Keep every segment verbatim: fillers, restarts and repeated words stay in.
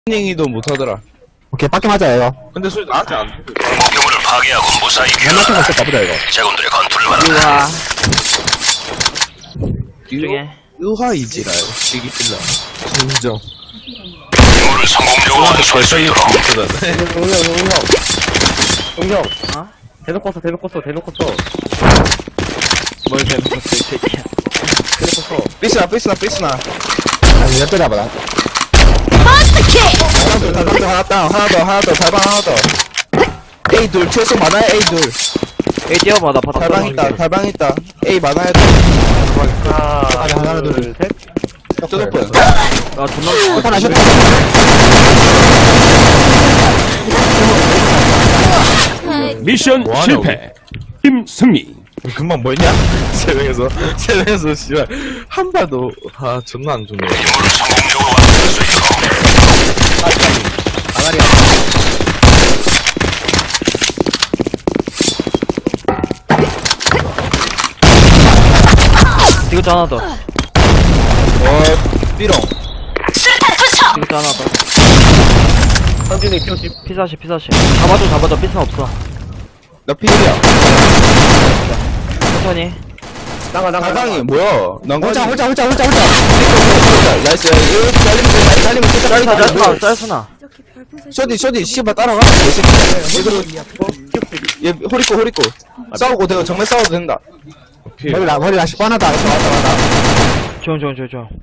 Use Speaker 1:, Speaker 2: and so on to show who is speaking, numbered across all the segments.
Speaker 1: 닝이도 못하더라.
Speaker 2: 오케이, 밖에 맞아, 이거.
Speaker 1: 근데 소리 나한테 안 들려.
Speaker 3: 목표물을 파괴하고 무사히
Speaker 2: 맨날
Speaker 3: 귀환하라.
Speaker 2: 생각 가보자, 이거.
Speaker 3: 제군들의 건투를 말하라.
Speaker 4: 우와.
Speaker 1: 유-
Speaker 4: 중에.
Speaker 1: 유화이지라, 시기필라. 진정.
Speaker 3: 임무를 성공적으로 완수할 수 있도록.
Speaker 4: 용형, 용형. 용형. 어? 대놓고 써, 대놓고 써, 대놓고 써. 뭘 대놓고 써, 이 새끼야. 대놓고 써.
Speaker 1: 삐스나, 삐스나, 삐스나.
Speaker 2: 아니, 몇 대나 봐라.
Speaker 1: 하나 더, 하나 더, 하나 더, 하나 더, 하나 더, 달방 하나 더. A 둘, 최소 많아야 A 둘.
Speaker 4: 에이, 뛰어봐, 나 바닥
Speaker 1: 달방 있다, 달방 있다. A 많아야 돼.
Speaker 4: 하나,
Speaker 2: 아니, 하나, 둘,
Speaker 4: 셋.
Speaker 1: 쪼도픈.
Speaker 4: 아, 존나.
Speaker 2: 하나, 셋.
Speaker 5: 미션
Speaker 1: 뭐 하냐고.
Speaker 5: 실패. 팀 승리.
Speaker 1: 금방 뭐 했냐? 세 명에서, 세 명에서, 씨발. 한 발도, 아, 존나 안 좋네.
Speaker 3: 임무를 성공적으로 완수할 수 있도록.
Speaker 4: 이것도 하나 더.
Speaker 1: 어, 삐롱.
Speaker 4: 이것도 하나 더. 선진이 피오십. 피사시, 피사시. 잡아줘, 잡아줘. 피스는 없어.
Speaker 1: 나 필이야.
Speaker 4: 천천히. 나가, 나가.
Speaker 1: 달방이 뭐야? 난
Speaker 2: 홀자, 홀자, 홀자, 홀자, 홀자.
Speaker 1: 나이스, 이거 잘리면 돼, 잘리면 진짜
Speaker 4: 짤수나,
Speaker 1: 빨리
Speaker 4: 짤수나, 짤수나.
Speaker 1: 쇼디, 쇼디, 씨발 따라가. 얘들은, 얘, 호리꼬, 호리꼬. 싸우고, 내가 정말 싸워도 된다. 오케이.
Speaker 2: 머리 나, 머리 다시 뻔하다.
Speaker 4: 조용, 조용, 조용, 조용.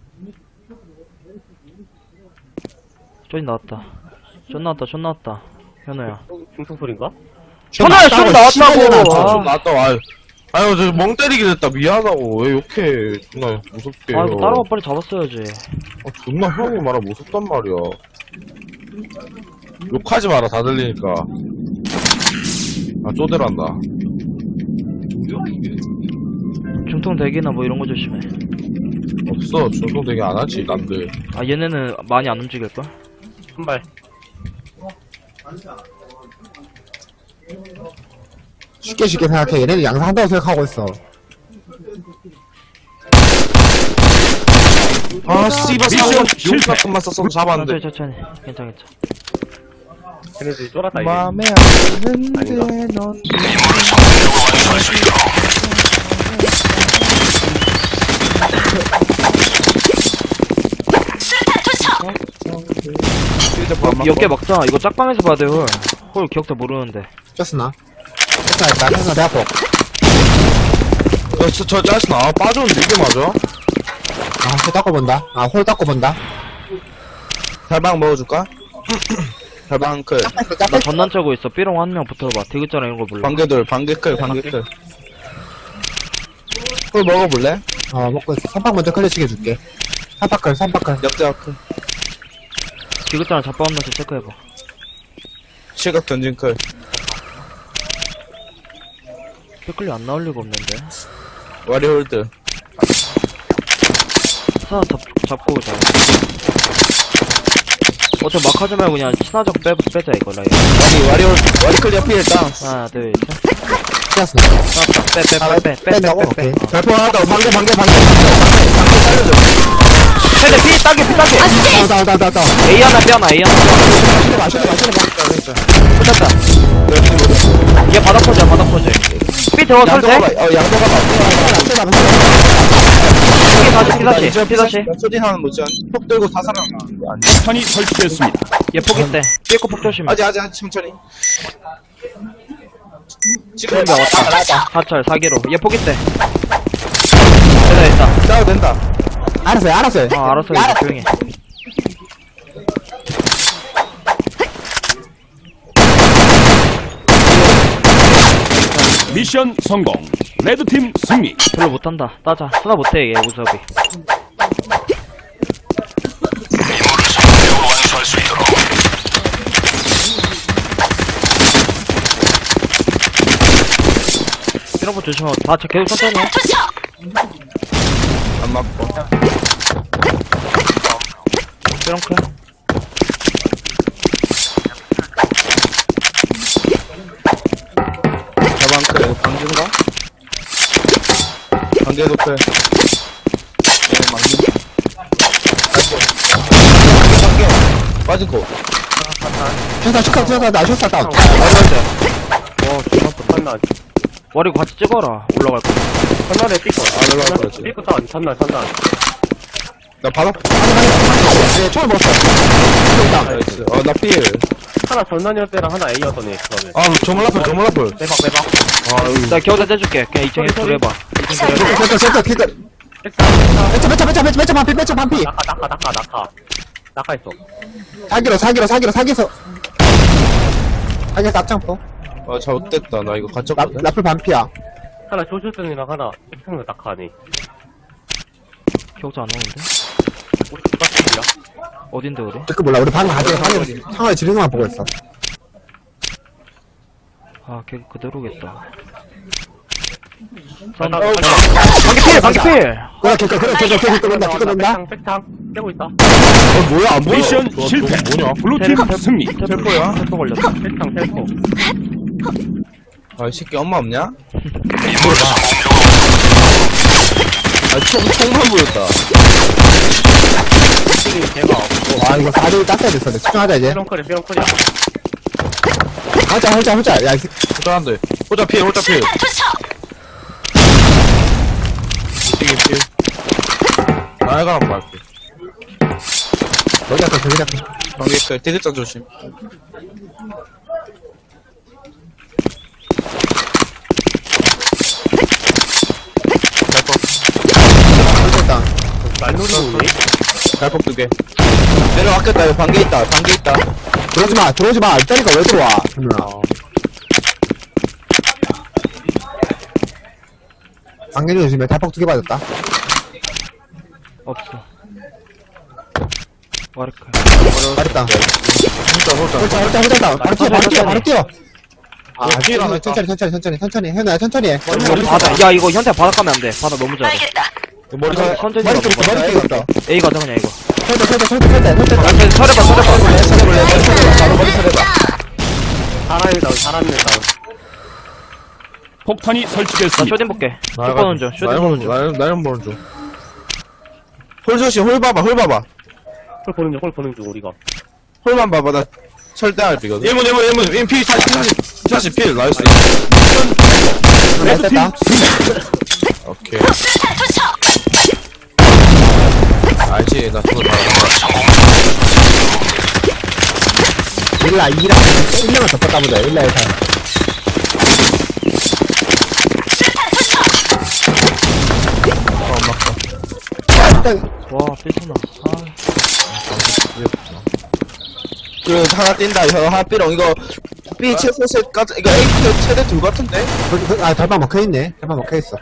Speaker 4: 쪼인 나왔다. 쫀 나왔다, 쫀 나왔다. 현우야. 중성 소린가? 현우야, 쫀 나왔다고!
Speaker 1: 아, 좀
Speaker 4: 아,
Speaker 1: 나왔다, 아유. 아유, 저 멍 때리게 됐다. 미안하고. 왜 욕해. 존나 무섭게.
Speaker 4: 아, 이거 다른 거 빨리 잡았어야지.
Speaker 1: 아, 존나 형이 말아 무섭단 말이야. 욕하지 마라, 다 들리니까. 아, 쪼대란다.
Speaker 4: 중통 대기나 뭐 이런 거 조심해.
Speaker 1: 없어. 중동 되게 안 하지, 남들.
Speaker 4: 아, 얘네는 많이 안 움직일걸? 한 발.
Speaker 2: 쉽게 쉽게 생각해. 얘네들 양상한다고 생각하고 있어.
Speaker 1: 아, 씨발,
Speaker 5: 미션
Speaker 1: 사원
Speaker 5: 실패.
Speaker 1: 용사건만 썼으면 잡았는데.
Speaker 4: 천천히, 천천히. 괜찮아, 괜찮아.
Speaker 6: 걔네들이 쫄았다 이게.
Speaker 1: 맘에 안 드는데, 넌.
Speaker 3: 임무를 성공적으로 완수할 수 있도록.
Speaker 4: 몇 개 먹자. 이거 짝방에서 봐야 돼, 홀. 홀 기억자 모르는데.
Speaker 2: 쪘으나? 쪘으나 했다. 쪘으나 배 아파.
Speaker 1: 야, 저, 저 짜증나. 아, 빠졌는데 이게 맞아?
Speaker 2: 아, 홀 닦아본다. 아, 홀 닦아본다.
Speaker 1: 달방 먹어줄까? 달방 클.
Speaker 4: 나 전난 짜고 있어. 삐롱 한 명 붙어봐. 디귿자랑 이런 거 몰라.
Speaker 1: 반개돌, 반개클, 반개클. 홀 먹어볼래?
Speaker 2: 어, 먹고 있어. 삼박 먼저 클래식 해줄게. 삼박클, 삼박클.
Speaker 1: 역자 클.
Speaker 4: 디귿자랑 잡바 없는지 체크해봐.
Speaker 1: 실각 던진 클.
Speaker 4: 삐클리 안 나올 리가 없는데.
Speaker 1: 와리 홀드.
Speaker 4: 하나 잡, 잡고 오자. 어차피 막 하지 말고 그냥 친화적 빼, 빼자, 이거, 라이.
Speaker 1: 와리, 와리 홀드. 와리 클 옆에 일단.
Speaker 4: 하나, 둘, 셋.
Speaker 2: 쪘으나.
Speaker 4: 빼, 빼, 빼, 빼, 빼, 빼,
Speaker 2: 뺀다고?
Speaker 4: 빼, 빼.
Speaker 2: 오케이.
Speaker 4: 어.
Speaker 1: 발포 하나 더. 반개, 반개, 반개. 반개 살려줘.
Speaker 4: 세대 피, 따게, 피, 따게.
Speaker 2: 다운, 다운, 다운, 다운, 다운.
Speaker 4: A 하나, B 하나, A 하나, B 하나.
Speaker 2: 마시네, 마시네, 마시네.
Speaker 4: 끝났다. 얘 바닥 포즈야, 바닥 포즈. 삐 대워 설
Speaker 1: 양도가
Speaker 4: 때?
Speaker 1: 봐. 어, 양도가 봐.
Speaker 2: 마시네, 마시네.
Speaker 4: 피 다시, 피 다시, 피 다시.
Speaker 1: 소진 하는 모션. 폭 들고 다 살아나. 아니.
Speaker 5: 탄이 설치됐습니다.
Speaker 4: 얘 포기 때. 삐꼬 폭 조심해.
Speaker 1: 아직, 아직, 아직, 천천히. 지금
Speaker 4: 그런데 왔다. 사철, 사기로. 얘 포기 때. 됐다, 됐다.
Speaker 1: 싸워도 된다.
Speaker 2: 알았어요, 알았어요.
Speaker 4: 어, 알았어, 이제 조용히 해.
Speaker 5: 미션 성공. 레드팀 승리.
Speaker 4: 별로 못한다. 따자. 쓰다 못해, 얘, 우섭이.
Speaker 3: 임무를 성공적으로 완수할 수 있도록.
Speaker 4: 이런 거 조심하고. 다 계속 천천히 해.
Speaker 1: 안 맞고.
Speaker 4: 이런 거.
Speaker 1: 자방클, 이거 방진가? 반개 높여. 네, 방진. 반개, 반개. 빠진 거.
Speaker 2: 쇼사, 쇼사, 쇼사, 나 쇼사 다운.
Speaker 4: 와, 존나 뻔 산날. 와리고 같이 찍어라. 올라갈 거. 산날에 삐꺼.
Speaker 1: 아, 올라갈 거지.
Speaker 4: 삐꺼 다운. 산날, 산날.
Speaker 1: 나 바닥.
Speaker 2: 네, 처음 먹었어.
Speaker 1: 나이스. 어, 나 필.
Speaker 4: 하나 전난이었 때랑 하나 A였더니, 그다음에.
Speaker 1: 아, 저물라플, 저물라플.
Speaker 4: 빼박, 빼박. 나 겨우다 떼줄게. 그냥 이 층에 둘 해봐.
Speaker 2: 센터, 센터, 센터. 매점, 매점, 매점, 매점, 매점 반피, 매점 반피.
Speaker 4: 낙하, 낙하, 낙하, 낙하. 낙하 있어.
Speaker 2: 사기로, 사기로, 사기로, 사기에서. 사기에서 앞장포.
Speaker 1: 아, 잘못됐다. 나 이거
Speaker 2: 라,
Speaker 1: 갇혔거든.
Speaker 2: 라플 반피야.
Speaker 4: 하나 조슈슨이랑 하나 백창도 낙하니. 기억자 안 나오는데? 혹시 누가 어딘데, 우리?
Speaker 2: 그 몰라, 우리 방금 가게 상황, 상황을 지르는 것만 보고 있어.
Speaker 4: 아, 걔 그대로겠다.
Speaker 1: 어,
Speaker 4: 방개필! 방개필!
Speaker 2: 그래, 개꺼, 그래, 개꺼, 개꺼, 개꺼, 개꺼, 개꺼,
Speaker 4: 백창, 백창. 떼고 있다.
Speaker 1: 어, 뭐야, 안 보여.
Speaker 5: 미션
Speaker 1: 좋아,
Speaker 5: 실패.
Speaker 1: 좋아, 뭐냐?
Speaker 5: 블루팀 승리.
Speaker 1: 텔포야?
Speaker 4: 텔포 걸렸다. 백창, 텔포.
Speaker 1: 아, 이 새끼 엄마 없냐? 아, 총, 총만 보였다.
Speaker 4: 백창이 걔가 없고.
Speaker 2: 와, 이거 사 대 일 땄어야 됐어. 집중하자, 이제.
Speaker 4: 피롱컬이, 피롱컬이야.
Speaker 2: 하자, 하자, 하자. 야, 이 새끼.
Speaker 1: 호자한데. 호자 필, 호자 필. 이게 필. 나이가 한번 갈게.
Speaker 2: 여기 갔다, 저기 갔다.
Speaker 1: 관계 있어요. 대대장 조심.
Speaker 2: 일단,
Speaker 4: 말놀이 오니?
Speaker 1: 갈폭 두 개. 내려왔겠다. 이거 반개 있다. 반개 있다.
Speaker 2: 들어오지 마, 들어오지 마. 일자리가 왜 들어와? 누나. 방개리 조심해. 대폭 두 개 맞았다.
Speaker 4: 없어. 와르카.
Speaker 2: 잘했다.
Speaker 1: 호자, 호자.
Speaker 2: 홀자, 홀자, 홀자. 바로 뛰어, 바로 뛰어, 바로 뛰어. 아,
Speaker 1: 왜 뛰어,
Speaker 2: 천천히, 천천히, 천천히, 천천히, 천천히. 현우야, 천천히 해.
Speaker 4: 바다. 야, 이거 현태 바닥 가면 안 돼. 바다 너무 잘해.
Speaker 1: 머리 잘.
Speaker 4: 컨텐츠
Speaker 2: 머리 뚫었어, 머리 뚫었어.
Speaker 4: A 가자, 그냥 이거.
Speaker 2: 설대, 설대, 설대, 설대, 설대.
Speaker 4: 설해봐, 설해봐.
Speaker 1: 설해볼래? 머리 설해봐. 바로 머리 설해봐.
Speaker 4: 사람이 다운, 사람이 다운.
Speaker 5: 폭탄이
Speaker 4: 나
Speaker 5: 설치됐습니다.
Speaker 4: 쇼딘 볼게. 쇼 보는 중, 쇼딘 보는 중.
Speaker 1: 나연, 나연 보는 중. 홀 조심, 홀 봐봐, 홀 봐봐.
Speaker 4: 홀 보는 중, 홀 보는 중, 우리가.
Speaker 1: 홀만 봐봐, 나 설대할 비거든. 일문, 일문, 일문, 일문, 피, 사십, 사십, 사십, 필, 나이스.
Speaker 5: 레드팀
Speaker 2: 됐다.
Speaker 5: 승리.
Speaker 1: 오케이. 알지, 나 그거 다
Speaker 2: 일라, 이라. 일 년만 더 뻗다 보자. 일라, 일라. 일단,
Speaker 4: 와, 삐스나. 아,
Speaker 1: 그, 하나 뛴다, 형, 하나 삐롱, 이거, B 최소 셋, 까지, 이거 A 최대 둘 같은데?
Speaker 2: 그, 그, 아, 달방 먹혀있네. 달방 먹혀있어.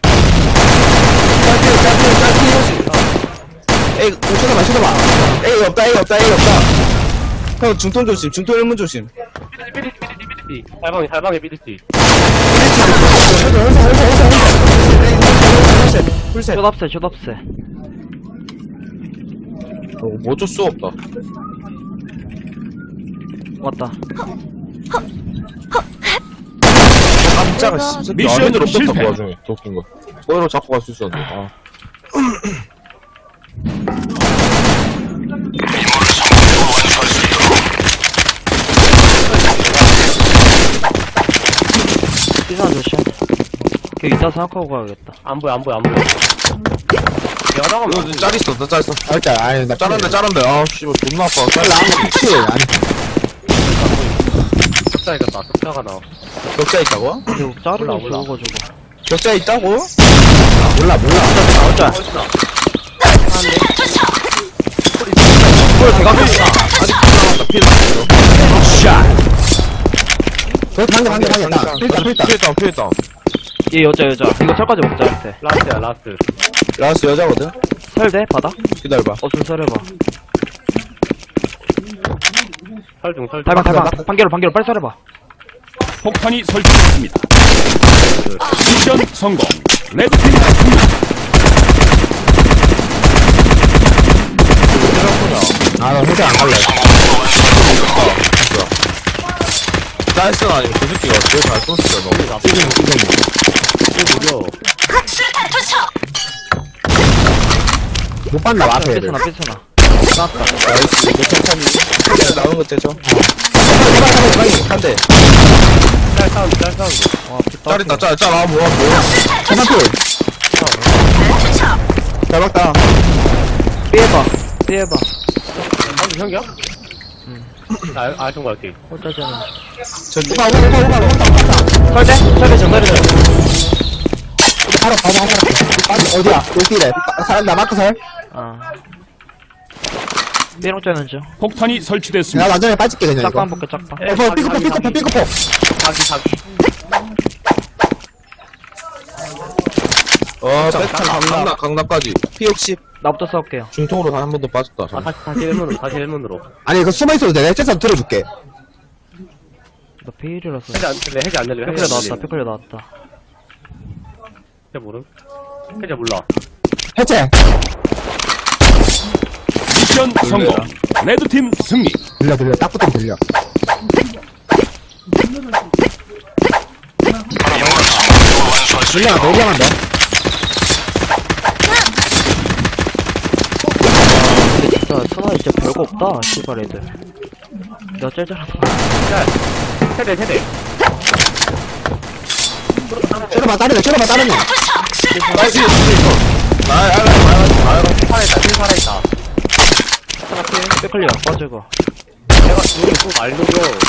Speaker 1: 짤필, 짤필, 짤필, A, 오, 쳐다봐, 쳐다봐. A 없다, A 없다, A 없다. 형, 중통 조심, 중통 일문 조심.
Speaker 4: 삐. 살방이, 살방에 삐리지.
Speaker 1: 풀셋.
Speaker 4: 쇼답세, 쇼답세.
Speaker 1: 어, 뭐 어쩔 수 없다.
Speaker 4: 왔다.
Speaker 1: 깜짝아, 씨.
Speaker 5: 미션
Speaker 1: 아래로
Speaker 5: 실패.
Speaker 1: 뺐다, 그 와중에. 더 웃긴 거. 거기로 잡고 갈 수 있었는데, 아.
Speaker 4: 삐스나 조심. 걔 이따 생각하고 가야겠다. 안 보여, 안 보여, 안 보여. 내가 나가면
Speaker 1: 이거 짤 있어, 나 짤 있어.
Speaker 2: 아, 일단, 아니, 나.
Speaker 1: 짤한데, 짤한데. 아, 씨발, 존나 아파. 짤
Speaker 2: 나 아무 피치. 아니,
Speaker 4: 격자 이겼다. 격자가 나와.
Speaker 1: 격자 있다고?
Speaker 4: 그리고 짜르고
Speaker 1: 몰라, 몰라.
Speaker 4: 죽어가지고.
Speaker 1: 격자 있다고?
Speaker 2: 몰라, 몰라.
Speaker 4: 나오자. 홀 대각
Speaker 1: 아직 남았다, 필 남았어.
Speaker 5: 샷.
Speaker 2: 저기 방개, 방개, 방개. 나. 필다, 필다.
Speaker 1: 피했다, 피했다.
Speaker 4: 얘 여자 여자 이거 설까지 먹자 할때 라스트야 라스트
Speaker 1: 라스 여자거든?
Speaker 4: 설대 바닥?
Speaker 1: 기다려봐.
Speaker 4: 없으면 설해봐 설중 설중
Speaker 2: 나-
Speaker 4: 달방 달방 반개로 반개로 빨리 설해봐
Speaker 5: 폭탄이 설치됐습니다. 미션 성공. 레드팀 승리.
Speaker 2: 아, 나 회장 안 갈래.
Speaker 1: 짤스는 아니고 그 새끼가 제일 잘 쏘는데, 너.
Speaker 2: 지금, 지금.
Speaker 4: 무려
Speaker 2: 못 봤나 봐, 앞에 애들.
Speaker 4: 삐스나 삐스나 깠다.
Speaker 1: 나이스. 이거 천천히. 그냥 나오는 거 되죠? 한대.
Speaker 6: 짤 사운드 짤 사운드
Speaker 4: 와, 빗다.
Speaker 1: 짤 있다, 짤, 짤. 아, 뭐야, 뭐야.
Speaker 2: 전방필. 잘 막다.
Speaker 4: 삐해봐. 삐해봐.
Speaker 6: 사운드 형이야? 응 알좀 갈게
Speaker 4: 홀짜잖아.
Speaker 1: 저,
Speaker 2: 오가, 오가, 오가, 오가, 오가.
Speaker 4: 설대? 설대 좀 설대 좀.
Speaker 2: 바로, 바로, 바로. 바로. 어디야? 여기래. 사람 나 마크 살.
Speaker 4: 아. 삐롱 짜는 중.
Speaker 5: 폭탄이
Speaker 2: 나
Speaker 5: 설치됐습니다.
Speaker 2: 완전히 빠질게, 그냥. 이거.
Speaker 4: 짝방 볼게, 짝방.
Speaker 2: 어, 뭐, 삐꾸포, 삐꾸포, 삐꾸포.
Speaker 6: 자기 자기
Speaker 1: 어, 백탄 강남, 강남까지. 피 육십.
Speaker 4: 나부터 싸울게요.
Speaker 1: 중통으로 단 한 번 더 빠졌다.
Speaker 6: 아 다시 다시 일문으로 다시 일문으로
Speaker 2: 아니, 이거 숨어있어도 돼. 내가 째서 들어줄게.
Speaker 4: 나 피일이라서.
Speaker 6: 해지 안 들래 해지 안 들래
Speaker 4: 피클려 나왔다, 피클려 나왔다.
Speaker 6: 해지 모름 해지 몰라
Speaker 2: 해체.
Speaker 5: 미션 성공. 레드팀 승리.
Speaker 2: 들려, 들려. 딱 붙으면 들려.
Speaker 3: 임무를 성공적으로 완수할 수
Speaker 2: 들려,
Speaker 3: 있도록
Speaker 2: 너 올라간다.
Speaker 4: 근데 진짜 천하이 진짜 별거 없다, 씨발 애들. 내가 제일 잘하는 거.
Speaker 6: 세대 세대
Speaker 2: 째려봐, 따르네, 째려봐, 따르네.
Speaker 1: 나이스, 이거. 아, 아, 아, 아, 아.
Speaker 6: 살아있다 팀 살아있다
Speaker 4: 피클려, 빠지고.
Speaker 6: 내가 눈이 또말 녹여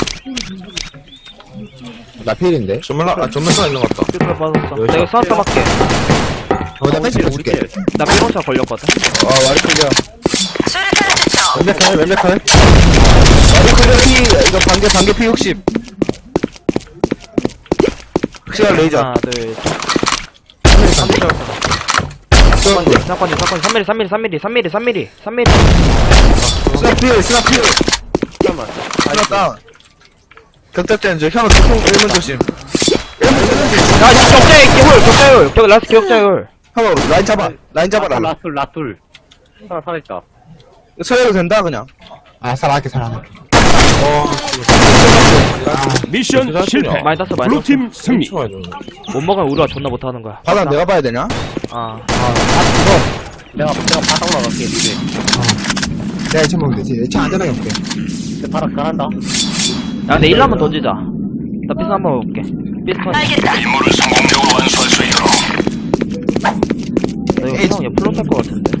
Speaker 2: 나 필인데.
Speaker 1: 전면, 아, 전면사 있는 것 같다.
Speaker 4: 피클려 빠졌어.
Speaker 1: 여기서.
Speaker 4: 내가 싸웠다 맞게.
Speaker 2: 어, 나 펜치
Speaker 6: 우리
Speaker 2: 줄게.
Speaker 6: 필
Speaker 4: 나 삐롱차 걸렸거든.
Speaker 1: 아, 와리 클리어.
Speaker 7: 수류탄 투척.
Speaker 1: 왼백칼, 왼백칼. 와리 클리어 피, 이거 반개, 반개 피 육십. 시간 레이저.
Speaker 4: 하나, 둘, 셋. 삼 미리 사건이, 사건이, 사건이. 삼 미리, 삼 미리, 삼 미리, 삼 미리, 삼 미리, 삼 미리.
Speaker 1: 스나필, 스나필.
Speaker 6: 잠깐만
Speaker 1: 스나 다운. 격대 때는 저 현우 조금 일문 조심. 일문 조심.
Speaker 4: 야, 이 격자의 기울, 격자의 울. 격, 라스트 격자의 울.
Speaker 1: 현우 라인 잡아. 라인 잡아라.
Speaker 6: 라툴 라툴 하나 살아있다
Speaker 1: 서해도 된다, 그냥.
Speaker 2: 아, 살아갈게, 살아갈게.
Speaker 5: 미션 실패.
Speaker 4: 많이 땄어, 많이 땄어.
Speaker 5: 블루팀 승리.
Speaker 4: 못 먹으면 우리가 존나 못하는 거야.
Speaker 1: 바다 내가 봐야 되냐?
Speaker 4: 아.
Speaker 6: 내가 내가 바닥 나갈게 미래
Speaker 2: 내가 이천 먹으면 되지. 차 안전하게 볼게.
Speaker 6: 내 바닥 잘한다
Speaker 4: 야, 근데 일 한번 던지자. 나 피스 한번 볼게. 피스턴.
Speaker 7: 알겠다.
Speaker 3: 임무를 성공적으로 완수할 수 있도록
Speaker 4: 나 이거 형, 얘 플롯 할것 같은데.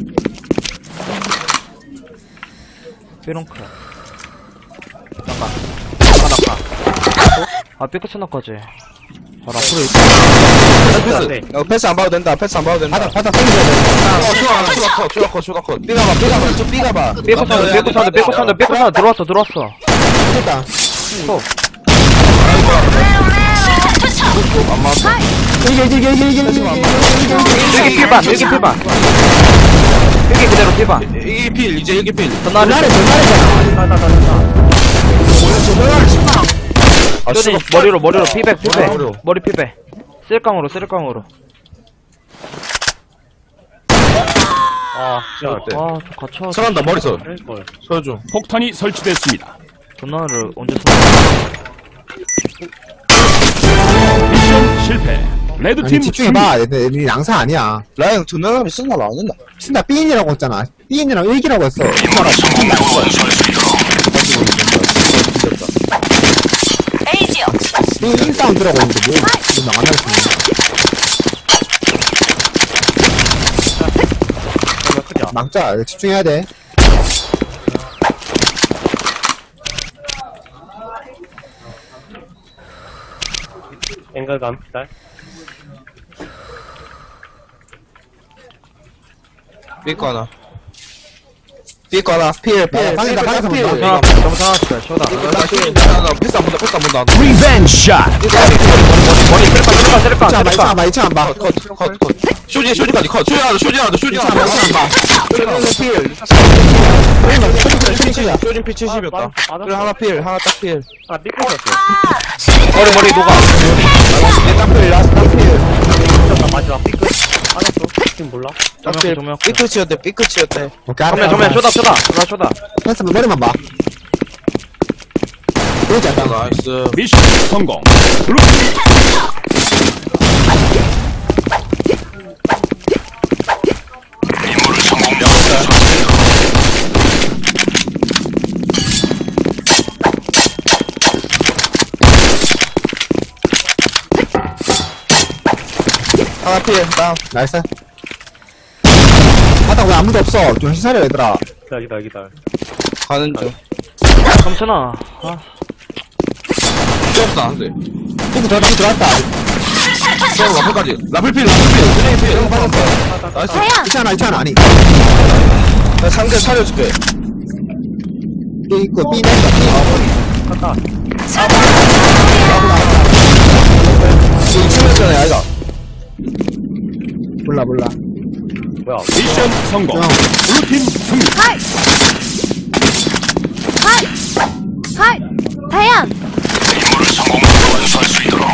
Speaker 4: 삐롱크. 잠깐. 잠깐, 잠깐. 아, 삐끗 쳐놨까지. 바로 앞으로 있어.
Speaker 1: 패스. 어, 패스 안 봐도 된다. 패스 안 봐도 된다.
Speaker 2: 바닥, 바닥 땡겨야 돼.
Speaker 1: 어, 추가, 추가 컷, 추가 컷, 추가 컷. 삐가봐, 삐가봐, 좀 삐가봐.
Speaker 4: 삐끗 사운드, 삐끗 사운드, 삐끗 사운드, 삐끗 사운드. 들어왔어, 들어왔어.
Speaker 2: 됐다.
Speaker 4: 또.
Speaker 1: 안 맞았어.
Speaker 2: 이게, 이게, 이게, 이게, 이게, 이게, 이게.
Speaker 4: 여기 필반, 여기 필반. 여기 그대로 필반.
Speaker 1: 이게 필, 이제 이게 필.
Speaker 4: 전날에,
Speaker 2: 전날에, 전날에잖아.
Speaker 1: 아,
Speaker 4: 여기
Speaker 1: 추가
Speaker 4: 머리로, 머리로, 피백, 피백.
Speaker 1: 머리로.
Speaker 4: 머리 피백. 쓸깡으로, 쓸깡으로.
Speaker 6: 아 진짜
Speaker 1: 네.
Speaker 4: 와, 저 갇혀.
Speaker 1: 서간다, 머리서.
Speaker 6: 걸
Speaker 1: 서줘.
Speaker 5: 폭탄이 설치됐습니다.
Speaker 4: 전날을 언제 쏘?
Speaker 5: 미션 실패.
Speaker 2: 아니,
Speaker 5: 레드팀 승리.
Speaker 2: 집중해봐. 얘네, 얘네 양사 아니야.
Speaker 1: 라인 전면하면 쓴다, 안 된다.
Speaker 2: 신나 삐인이라고 했잖아. 삐인이랑 일기라고 했어.
Speaker 3: 임무를 성공적으로 완수할 수 있도록
Speaker 7: 에이지요.
Speaker 2: 삐인 인사운드라고 했는데, 뭐, 지금 안 하겠어.
Speaker 6: 정말 크지
Speaker 2: 막자. 이거 집중해야 돼.
Speaker 6: 앵글감 기다려
Speaker 1: 삐거 하나. 삐거 하나. 필, 필.
Speaker 2: 방이다, 방에서
Speaker 1: 필.
Speaker 2: 본다.
Speaker 4: 아, 너무 상하다, 쇼다.
Speaker 1: 삐거 하나, 필. 나, 나, 패스 안 본다, 패스 안 본다.
Speaker 5: 리벤지 샷.
Speaker 4: 머리 쓸깡, 쓸깡, 쓸깡,
Speaker 2: 이차 안 봐, 이차 안
Speaker 4: 쓸깡.
Speaker 2: 봐, 이차 안 봐.
Speaker 1: 컷, 컷, 컷, 컷. 쇼지, 쇼지까지 컷. 쇼지 하나, 쇼지 하나, 쇼지
Speaker 2: 이차
Speaker 1: 하나.
Speaker 2: 안 봐, 이차 안 봐.
Speaker 1: 쇼지 필.
Speaker 2: 쇼지 칠이야.
Speaker 1: 쇼진 피 칠십이었다.
Speaker 6: 맞- 맞았어.
Speaker 1: 그래, 하나 필, 하나 딱 필.
Speaker 6: 아 삐끗었어
Speaker 7: 아, 수류탄
Speaker 4: 머리, 머리 녹아.
Speaker 1: 얘딱 필, 라스트 딱 필.
Speaker 6: 삐끗 마지막 삐끗 알았어 지금 몰라
Speaker 1: 딱 필.
Speaker 4: 조명.
Speaker 1: 삐끗이었대, 삐끗이었대.
Speaker 2: 오케이,
Speaker 4: 정면, 정면, 쇼다, 쇼다. 쇼다, 쇼다.
Speaker 2: 패스 머리만 봐. 그러지 않다.
Speaker 1: 나이스.
Speaker 5: 미션 성공. 블루팀
Speaker 3: 임무를 성공적으로 완수할 수 있도록
Speaker 1: 하나 피해, 다운.
Speaker 2: 나이스. 바닥 왜 아무도 없어? 정신 차려, 얘들아.
Speaker 6: 기다려, 기다려, 기다려.
Speaker 1: 가는 중.
Speaker 4: 삼천아. 아,
Speaker 1: 뛰었다, 안 돼.
Speaker 2: 삐꾸 들어왔다, 삐꾸 들어왔다.
Speaker 1: 뛰어, 라플까지. 라플필, 라플필. 쓰레기 필. 형 받았다. 나이스.
Speaker 2: 있잖아, 있잖아, 아니.
Speaker 1: 나 상대 차려줄게.
Speaker 2: 삐 있고, 삐 냈다, 삐.
Speaker 6: 갔다.
Speaker 1: 이거 이층이었잖아, 아이가.
Speaker 2: 몰라, 몰라.
Speaker 6: 뭐야.
Speaker 5: 미션 성공.
Speaker 2: 형.
Speaker 5: 블루팀 승리.
Speaker 8: 하이! 하이! 하이! 다현!
Speaker 3: 임무를 성공적으로 완수할 수 있도록.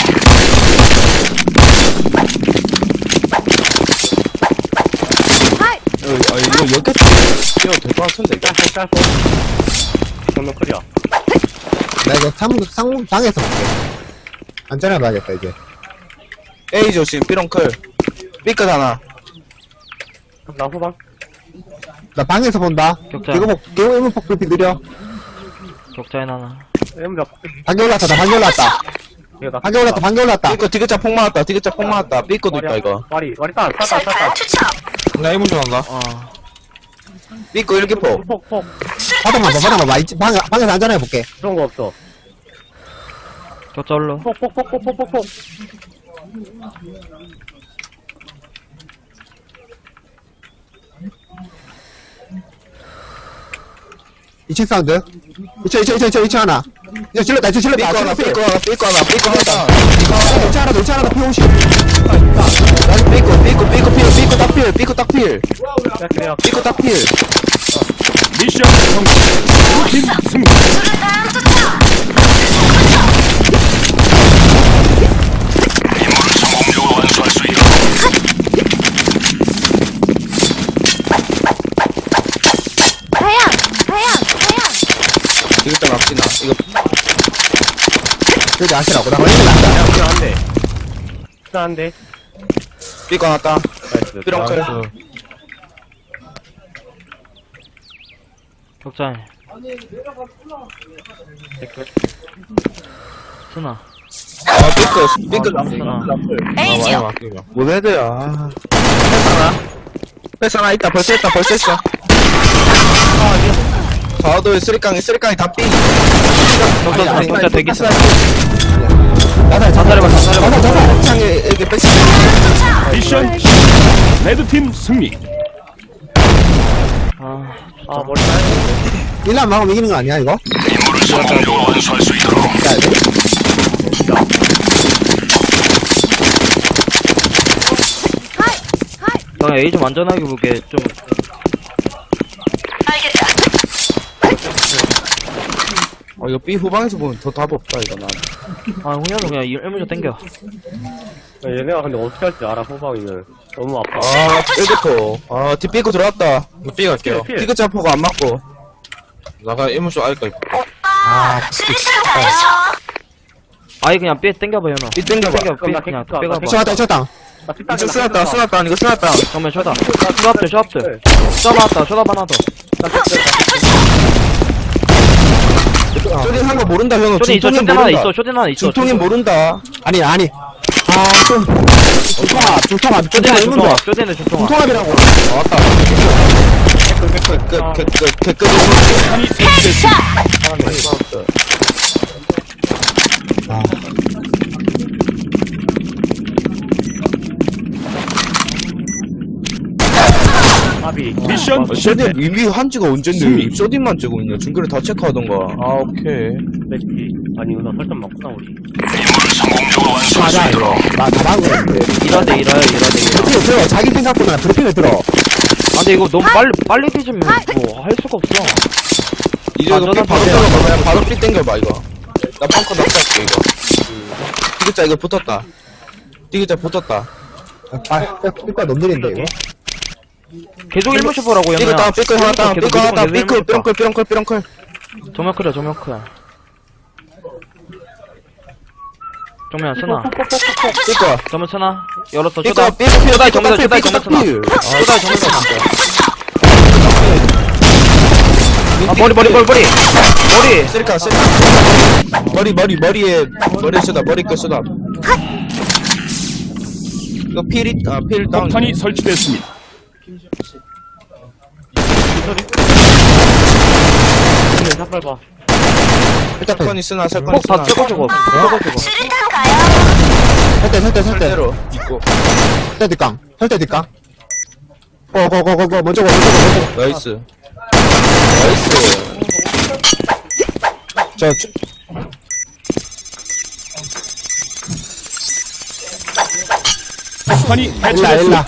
Speaker 8: 하이!
Speaker 1: 어, 아, 이거 여기까지 뛰어도 될 것 같은데, 이거.
Speaker 6: 짧고, 짧고. 정면 클리어.
Speaker 2: 나 이거 상, 상, 방에서 볼게. 안전해 봐야겠다, 이제.
Speaker 1: A 조심, 삐롱클. 삐끗 하나.
Speaker 6: 나 후방.
Speaker 2: 나 방에서 본다.
Speaker 4: 격자.
Speaker 2: 개구폭, 개구 일문폭 불빛 느려.
Speaker 4: 격자에 하나.
Speaker 6: 엠자.
Speaker 2: 반개 올랐다, 나 반개 올랐다.
Speaker 6: 이거 나.
Speaker 2: 반개 올랐다, 반개 올랐다.
Speaker 1: 삐끗, 디귿자 폭 맞았다, 디귿자 폭 맞았다. 삐끗도 있다, 이거.
Speaker 6: 와리, 와리 따, 따, 따, 따,
Speaker 7: 술탄
Speaker 6: 따.
Speaker 7: 투척.
Speaker 1: 나 이문 좀 한다.
Speaker 4: 어.
Speaker 1: 삐끗 일기폭.
Speaker 6: 폭, 폭.
Speaker 2: 바닥만 봐, 바닥만 봐. 이 방, 방에서 안전해 볼게.
Speaker 6: 그런 거 없어.
Speaker 4: 격자 올라.
Speaker 6: 폭, 폭, 폭, 폭, 폭, 폭, 폭.
Speaker 2: 이 층 사운드. 이 층, 이 층, 이 층, 이 층, 이 층 하나. 이거 질렀다, 이 층 질렀다.
Speaker 1: 삐끗 하나,
Speaker 2: 삐
Speaker 1: 삐끗 하나, 삐끗 하나, 삐끗 하나.
Speaker 2: 이 층 하나, 더, 이 층 하나, 더 피 오십.
Speaker 1: 나는 삐끗, 삐끗, 삐끗 필, 삐끗 딱 필, 삐끗 딱 필.
Speaker 6: 야, 그래요.
Speaker 1: 삐끗 딱 필.
Speaker 5: 미션 성공. 블루팀 승리.
Speaker 7: 술탄 투척.
Speaker 3: 임무를 성공적으로 완수할 수 있도록.
Speaker 8: 다현! 다현! 다현!
Speaker 1: 디귿자 납치나. 이거
Speaker 2: 여기 아시라고. 나 걸리면 난다.
Speaker 6: 야, 그냥 한 대. 그냥 한 대.
Speaker 1: 삐끗 하나 따.
Speaker 6: 나이스.
Speaker 1: 삐롱클.
Speaker 4: 격자에. 순아.
Speaker 1: 아, 삐끗, 삐끗
Speaker 4: 아,
Speaker 1: 납치.
Speaker 4: 순아.
Speaker 7: A 지역.
Speaker 1: 뭔 헤드야. 패스 하나. 패스 하나 있다, 벌써 했다, 벌써 했어. 사도에 쓰리깡이, 쓰리깡이 다 삐.
Speaker 4: 격자,
Speaker 1: 아니,
Speaker 4: 격자
Speaker 1: 아니,
Speaker 4: 되게
Speaker 1: 패스
Speaker 4: 있어.
Speaker 2: 자살해,
Speaker 4: 자살해봐, 자살해봐.
Speaker 2: 자살, 자살.
Speaker 1: 창에 이렇게 패스.
Speaker 5: 미션 실패. 레드팀 승리.
Speaker 4: 아,
Speaker 6: 아, 머리 따야
Speaker 2: 일 란 막으면 이기는 거 아니야, 이거?
Speaker 3: 임무를 성공적으로 완수할 수 있도록.
Speaker 2: 야, 돼?
Speaker 8: 하이! 하이!
Speaker 4: 나 A 좀 안전하게 보게. 좀.
Speaker 7: 알겠다.
Speaker 1: 어, 이거 B 후방에서 보면 더 답 없다, 이거 난.
Speaker 4: 아, 훈련은 그냥 일문조 땡겨.
Speaker 6: 돼. 얘네가 근데 어떻게 할지 알아, 후방이면. 너무 아파.
Speaker 1: 아, 일기포. 아, 뒷 삐고 들어왔다. B 갈게요.
Speaker 6: 필, 필.
Speaker 1: 디귿자 포가 안 맞고. 나가 이문쇼 알까, 이거.
Speaker 7: 오빠. 술탄 투척.
Speaker 4: 아예 그냥 삐 땡겨봐, 현아.
Speaker 1: 삐 땡겨봐.
Speaker 4: 땡겨, 삐
Speaker 6: 그럼 나
Speaker 4: 그냥
Speaker 6: 땡겨,
Speaker 4: 빼가봐.
Speaker 6: 나
Speaker 2: 이층 왔다, 이층 왔다.
Speaker 6: 나 뒷땅
Speaker 1: 이거 쓰났다, 쓰났다, 이거 쓰났다.
Speaker 4: 정면 쇼다. 쇼업들, 쇼업들. 쇼업 하나, 쇼업 하나 더.
Speaker 1: 쇼딘 한거 모른다, 형은.
Speaker 4: 쇼딘 있어,
Speaker 1: 중통인
Speaker 4: 쇼딘 하나
Speaker 1: 모른다.
Speaker 4: 있어, 쇼딘 하나 있어.
Speaker 1: 중통인 모른다.
Speaker 2: 아니, 아니. 아, 좀. 중통합, 중통합,
Speaker 4: 쇼딘의
Speaker 2: 중통합, 일문도.
Speaker 4: 중통합, 쇼딘의 중통합.
Speaker 2: 중통합이라고.
Speaker 1: 아, 왔다. 개끝, 개끝, 개끝, 개끝.
Speaker 5: 탄이 설치됐습니다.
Speaker 2: 아,
Speaker 6: 아비.
Speaker 5: 미션 실패.
Speaker 1: 쇼딘 이미 한지가 언젠데.
Speaker 5: 승리.
Speaker 1: 쇼딘만 찍고 있네. 중계를 다 체크하던가. 아, 오케이.
Speaker 6: 맥피. 아니, 이거 나 설탕 맞구나, 우리.
Speaker 3: 임무를 성공적으로 완수할 수
Speaker 2: 맞아,
Speaker 3: 있도록.
Speaker 2: 이거. 나, 나 막은 거였는데.
Speaker 4: 일하대, 일하여, 일하대, 일하.
Speaker 2: 브리핑을 들어. 자기 생각보다 브리핑을 들어.
Speaker 4: 아, 근데 이거 너무 빨리, 빨리 뒤지면 뭐, 할 수가 없어.
Speaker 1: 이제 이거
Speaker 4: 완전한
Speaker 1: 삐 바로
Speaker 4: 반대야.
Speaker 1: 땡겨봐. 그냥 바로 삐 땡겨봐, 이거. 나 펑커 낙사할게, 이거. 디귿자 이거 붙었다. 디귿자 붙었다.
Speaker 2: 아, 삐까 너무 느린데, 이거.
Speaker 4: 계속 일문 슈퍼라고,
Speaker 1: 삐끗
Speaker 4: 현아.
Speaker 1: 다운, 삐끗 하나 다운, 삐끗 하나 다운, 삐끗, 삐렁클, 삐렁클, 삐렁클.
Speaker 4: 조명 크려, 조명 크려. 정면 쓰나.
Speaker 1: 삐끗.
Speaker 4: 정면 쓰나. 열었어,
Speaker 1: 삐끗,
Speaker 4: 쇼다.
Speaker 1: 삐끗, 삐끗,
Speaker 4: 쇼다이 정면,
Speaker 1: 삐끗,
Speaker 4: 쇼다이
Speaker 1: 삐끗,
Speaker 4: 정면 쓰나.
Speaker 1: 삐끗.
Speaker 4: 쇼다이 정면 쓰나. 아, 머리, 머리, 머리, 머리. 머리.
Speaker 1: 쓰리카, 쓰리카. 머리, 머리, 머리에, 머리 쓰다, 머리 끝 쓰다. 이거 필이, 아, 필 다운.
Speaker 5: 폭탄이 설치됐습니다.
Speaker 6: 근데 샷발 봐.
Speaker 2: 일단
Speaker 1: 사건이 쓰나, 사건이
Speaker 4: 폭다
Speaker 1: 쓰나.
Speaker 4: 찍어주고 찍어주고
Speaker 7: 수류탄 가요.
Speaker 2: 설대 설대 설대
Speaker 1: 절대로. 있고.
Speaker 2: 설대 뒷강 설대 뒷강 고고고고고 먼저 고 먼저 고 먼저 고
Speaker 1: 나이스. 나이스.
Speaker 2: 저 저-
Speaker 5: 폭탄이
Speaker 2: 일라
Speaker 5: 해체됐습니다.
Speaker 2: 일라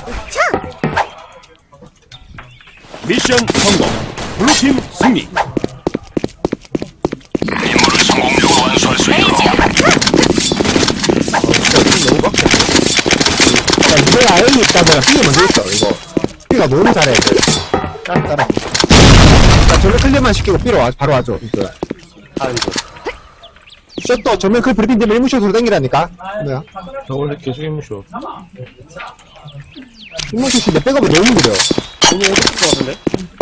Speaker 5: 미션 성공. 블루팀 승리.
Speaker 3: 임무를 성공적으로 완수할 수 있도록
Speaker 1: 너무 빡세.
Speaker 2: 야, 니네가 A 있다면 B 먼저 있어, 이거. B가 너무 잘해, 애들. 따라, 따라. 자, 전면 클리어만 시키고 B로 와, 바로 와줘, 이거.
Speaker 6: 아, 이거.
Speaker 2: 셔터, 전면 클 브리핑 되면 일무쇼로 땡기라니까? 뭐야?
Speaker 1: 저 원래 계속 힘무쇼.
Speaker 2: 일무쇼 씨내 백업이 너무 느려.
Speaker 6: 너무 어렵을 것 같은데?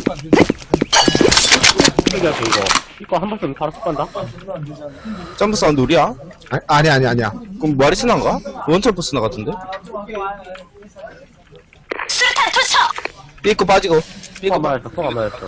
Speaker 6: 이거 이거. 이거 한 번쯤 바로 쏙 간다?
Speaker 1: 점프 사운드 우리야?
Speaker 2: 아, 아니, 아니, 아니야.
Speaker 1: 그럼 마리스나인가? 원철프 스나 같은데?
Speaker 7: 수류탄 투척.
Speaker 1: 삐고 빠지고.
Speaker 6: 쏙
Speaker 1: 삐고
Speaker 6: 안
Speaker 1: 빠.
Speaker 6: 맞았어, 쏙 안 맞았어.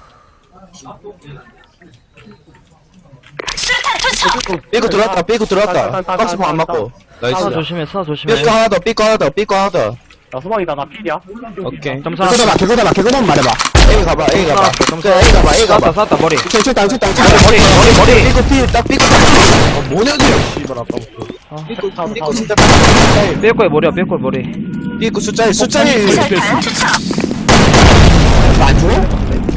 Speaker 7: 수류탄 투척.
Speaker 1: 삐고 들어왔다, 삐고 들어왔다. 박스포 안 맞고. 나이스.
Speaker 4: 스나 조심해 스나 조심해
Speaker 1: 삐고 하나 더, 삐고 하나 더, 삐고 하나 더.
Speaker 6: 나 소망이다, 나 필이야.
Speaker 1: 오케이.
Speaker 4: 점사
Speaker 2: 개거다봐, 개거다봐, 개거다만 말해봐.
Speaker 1: A 가봐, A 가봐.
Speaker 4: 점사
Speaker 1: A 가봐, A 가봐.
Speaker 4: 쐈다 쐈다 머리
Speaker 2: 저, 저, 땅, 저, 땅, 저,
Speaker 4: 머리 머리 머리
Speaker 1: 삐고 필, 딱 삐고 딱. 어, 뭐냐, 쟤. 씨발, 아까부터. 삐고, 삐고 진짜 삐고.
Speaker 4: 뺄거에 머리야 뺄거에 머리
Speaker 1: 삐고 숫자 일, 숫자 일.
Speaker 7: 수류탄 투척.
Speaker 2: 안 줘?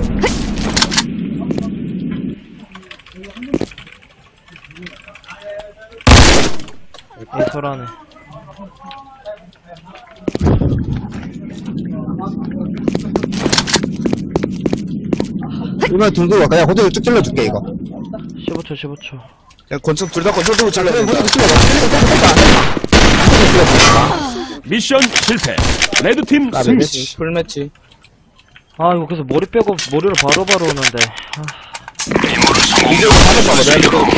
Speaker 4: 이설하네
Speaker 2: 이번에 둘 두고 그냥 호텔 쭉 찔러줄게, 이거.
Speaker 4: 십오 초 십오 초
Speaker 1: 야, 권총, 둘 다 권총 들고 잘라야 된다.
Speaker 2: 호텔 찔러봐.
Speaker 5: 미션 실패. 레드팀
Speaker 2: 아,
Speaker 5: 승리.
Speaker 1: 매치, 풀매치.
Speaker 4: 아 이거 그래서 머리 빼고 머리를 바로바로 오는데 아,
Speaker 3: 임무를 성공적으로
Speaker 1: 이제 가면
Speaker 3: 완수할
Speaker 1: 봐봐,
Speaker 3: 수
Speaker 1: 내가
Speaker 3: 있도록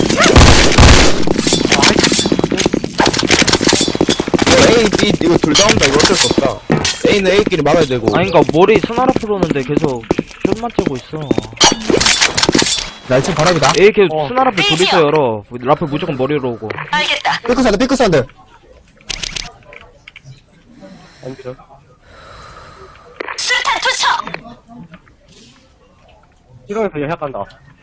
Speaker 1: 이거 A, B, 이거 둘 다 온다. 이거 어쩔 수 없다. A는 A끼리 막아야 되고.
Speaker 4: 아니 그니까 머리 스나라 풀오는데 계속 숏만 째고 있어
Speaker 2: 나 지금 바람이다.
Speaker 4: A 계속 스나라 풀 둘이서 열어 라플 무조건 머리로 오고
Speaker 7: 알겠다.
Speaker 2: 삐크 사운드, 삐크 사운드.
Speaker 6: 안 필요.
Speaker 7: 수류탄 투척.
Speaker 6: 이러면서 여약 간다.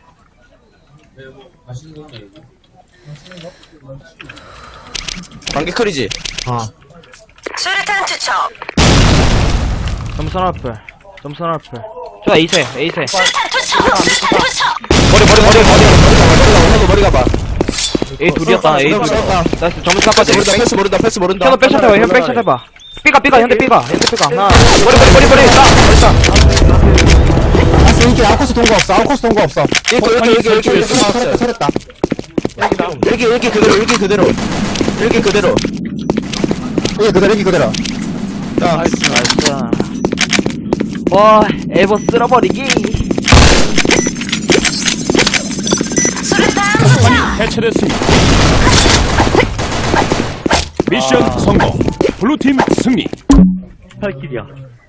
Speaker 1: 관계 크리지?
Speaker 2: 어.
Speaker 7: 수류탄 투척.
Speaker 4: 점수 하나 풀 점수 하나 풀 좋아 A세 A세
Speaker 7: 수류탄 투척. 수류탄 투척.
Speaker 4: 머리 머리 머리 머리
Speaker 1: 머리 가봐.
Speaker 4: A 둘이었다 A
Speaker 1: 어,
Speaker 4: 둘이었다 나이스 점수
Speaker 1: 패스
Speaker 4: 깎아줘
Speaker 1: 모른다, 패스 모른다, 패스 모른다.
Speaker 4: 현우 백샷 해봐 현우 백샷 해봐 삐가 삐가 현대 삐가 현대 삐가 하나 머리 머리 머리 머리 싸 머리 싸
Speaker 2: 아스 이게 아웃코스 동거 없어, 아웃코스 동거 없어.
Speaker 1: 이거, 이거, 이거, 이거, 이거
Speaker 2: 설했다,
Speaker 1: 나왔어요.
Speaker 2: 설했다.
Speaker 1: 일기, 일기 그대로, 일기 그대로. 일기 그대로.
Speaker 2: 이게 그대로, 이게 그대로.
Speaker 1: 자,
Speaker 4: 나이스 와 에버 쓸어버리기
Speaker 7: 수류탄
Speaker 5: 폭탄이
Speaker 7: 투척.
Speaker 5: 해체됐습니다. 미션 성공. 블루팀 승리.
Speaker 6: 팔 킬이야.